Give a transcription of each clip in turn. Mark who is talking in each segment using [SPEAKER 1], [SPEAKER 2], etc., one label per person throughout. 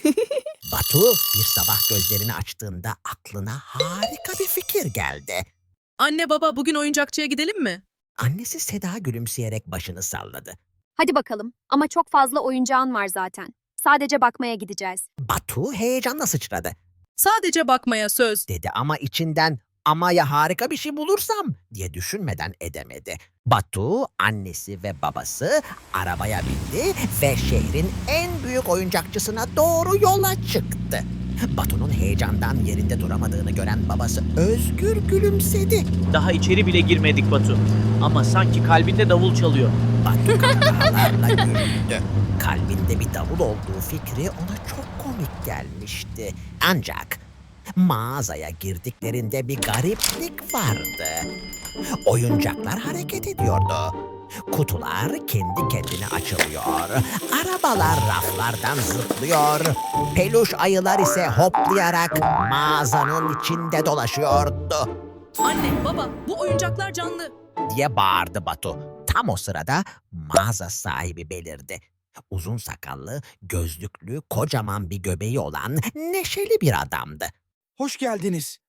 [SPEAKER 1] Batu bir sabah gözlerini açtığında aklına harika bir fikir geldi.
[SPEAKER 2] Anne baba bugün oyuncakçıya gidelim mi?
[SPEAKER 1] Annesi Seda gülümseyerek başını salladı.
[SPEAKER 3] Hadi bakalım ama çok fazla oyuncağın var zaten. Sadece bakmaya gideceğiz.
[SPEAKER 1] Batu heyecanla sıçradı.
[SPEAKER 2] Sadece bakmaya söz.
[SPEAKER 1] Dedi ama içinden ama ya harika bir şey bulursam diye düşünmeden edemedi. Batu, annesi ve babası arabaya bindi ve şehrin en büyük oyuncakçısına doğru yola çıktı. Batu'nun heyecandan yerinde duramadığını gören babası özgür gülümsedi.
[SPEAKER 4] Daha içeri bile girmedik Batu. Ama sanki kalbinde davul çalıyor.
[SPEAKER 1] Batu kahkahalarla güldü. Kalbinde bir davul olduğu fikri ona çok komik gelmişti. Ancak mağazaya girdiklerinde bir gariplik vardı. Oyuncaklar hareket ediyordu. Kutular kendi kendine açılıyor. Arabalar raflardan zıplıyor. Peluş ayılar ise hoplayarak mağazanın içinde dolaşıyordu
[SPEAKER 2] Anne baba bu oyuncaklar canlı.
[SPEAKER 1] diye bağırdı Batu. Tam o sırada mağaza sahibi belirdi. Uzun sakallı, gözlüklü, kocaman bir göbeği olan neşeli bir adamdı.
[SPEAKER 5] Hoş geldiniz.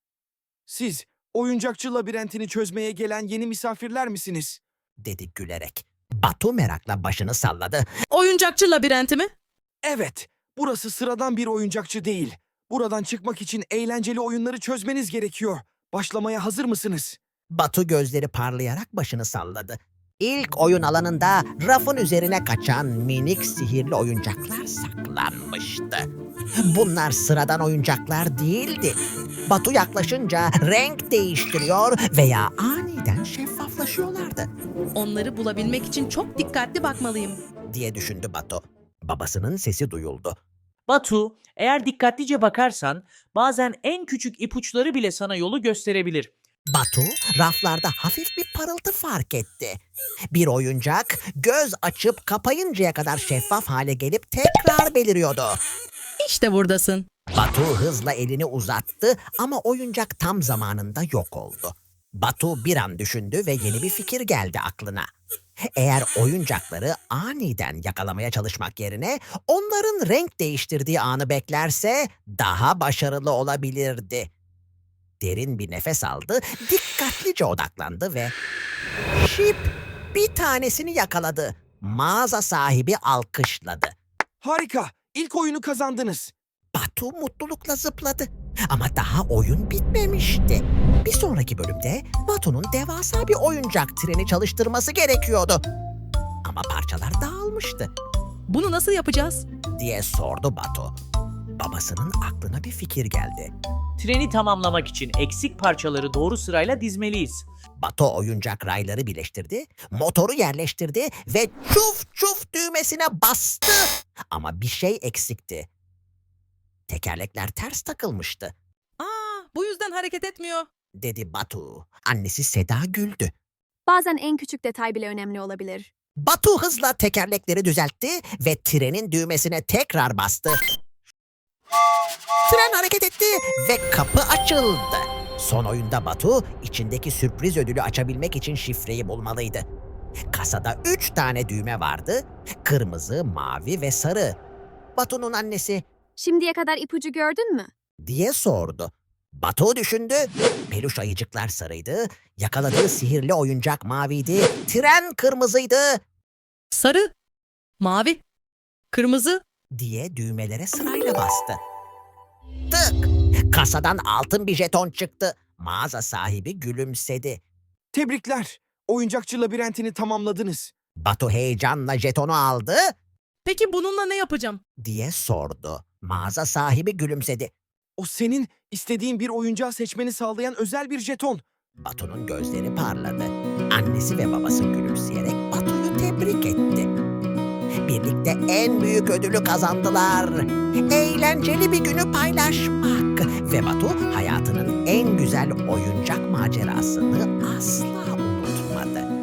[SPEAKER 5] Siz oyuncakçı labirentini çözmeye gelen yeni misafirler misiniz?
[SPEAKER 1] Dedi gülerek. Batu merakla başını salladı.
[SPEAKER 2] Oyuncakçı labirenti mi?
[SPEAKER 5] Evet, burası sıradan bir oyuncakçı değil. Buradan çıkmak için eğlenceli oyunları çözmeniz gerekiyor. Başlamaya hazır mısınız?
[SPEAKER 1] Batu gözleri parlayarak başını salladı. İlk oyun alanında rafın üzerine kaçan minik sihirli oyuncaklar saklanmıştı. Bunlar sıradan oyuncaklar değildi. Batu yaklaşınca renk değiştiriyor veya aniden şeffaflaşıyorlardı
[SPEAKER 2] Onları bulabilmek için çok dikkatli bakmalıyım.
[SPEAKER 1] diye düşündü Batu. Babasının sesi duyuldu.
[SPEAKER 4] Batu, eğer dikkatlice bakarsan bazen en küçük ipuçları bile sana yolu gösterebilir.
[SPEAKER 1] Batu raflarda hafif bir parıltı fark etti. Bir oyuncak göz açıp kapayıncaya kadar şeffaf hale gelip tekrar beliriyordu.
[SPEAKER 2] İşte buradasın.
[SPEAKER 1] Batu hızla elini uzattı ama oyuncak tam zamanında yok oldu. Batu bir an düşündü ve yeni bir fikir geldi aklına. Eğer oyuncakları aniden yakalamaya çalışmak yerine onların renk değiştirdiği anı beklerse daha başarılı olabilirdi. Derin bir nefes aldı, dikkatlice odaklandı ve şip bir tanesini yakaladı. Mağaza sahibi alkışladı.
[SPEAKER 5] Harika, ilk oyunu kazandınız.
[SPEAKER 1] Batu mutlulukla zıpladı. Ama daha oyun bitmemişti. Bir sonraki bölümde Batu'nun devasa bir oyuncak treni çalıştırması gerekiyordu. Ama parçalar dağılmıştı
[SPEAKER 2] Bunu nasıl yapacağız?
[SPEAKER 1] diye sordu Batu. Babasının aklına bir fikir geldi.
[SPEAKER 4] Treni tamamlamak için eksik parçaları doğru sırayla dizmeliyiz.
[SPEAKER 1] Batu oyuncak rayları birleştirdi, motoru yerleştirdi ve çuf çuf düğmesine bastı. Ama bir şey eksikti. Tekerlekler ters takılmıştı,
[SPEAKER 2] Bu yüzden hareket etmiyor.
[SPEAKER 1] dedi Batu. Annesi Seda güldü.
[SPEAKER 3] Bazen en küçük detay bile önemli olabilir.
[SPEAKER 1] Batu hızla tekerlekleri düzeltti ve trenin düğmesine tekrar bastı. Tren hareket etti ve kapı açıldı. Son oyunda Batu içindeki sürpriz ödülü açabilmek için şifreyi bulmalıydı. Kasada 3 tane düğme vardı. Kırmızı, mavi ve sarı. Batu'nun annesi
[SPEAKER 3] Şimdiye kadar ipucu gördün mü?
[SPEAKER 1] diye sordu. Batu düşündü. Peluş ayıcıklar sarıydı. Yakaladığı sihirli oyuncak maviydi. Tren kırmızıydı
[SPEAKER 2] Sarı, mavi, kırmızı.
[SPEAKER 1] diye düğmelere sırayla bastı. Tık! Kasadan altın bir jeton çıktı. Mağaza sahibi gülümsedi.
[SPEAKER 5] Tebrikler, oyuncakçı labirentini tamamladınız.
[SPEAKER 1] Batu heyecanla jetonu aldı
[SPEAKER 2] Peki bununla ne yapacağım?
[SPEAKER 1] diye sordu. Mağaza sahibi gülümsedi.
[SPEAKER 5] O senin istediğin bir oyuncağı seçmeni sağlayan özel bir jeton.
[SPEAKER 1] Batu'nun gözleri parladı. Annesi ve babası gülümseyerek Batu'yu tebrik etti. Birlikte en büyük ödülü kazandılar. Eğlenceli bir günü paylaşmak. Ve Batu hayatının en güzel oyuncak macerasını asla unutmadı.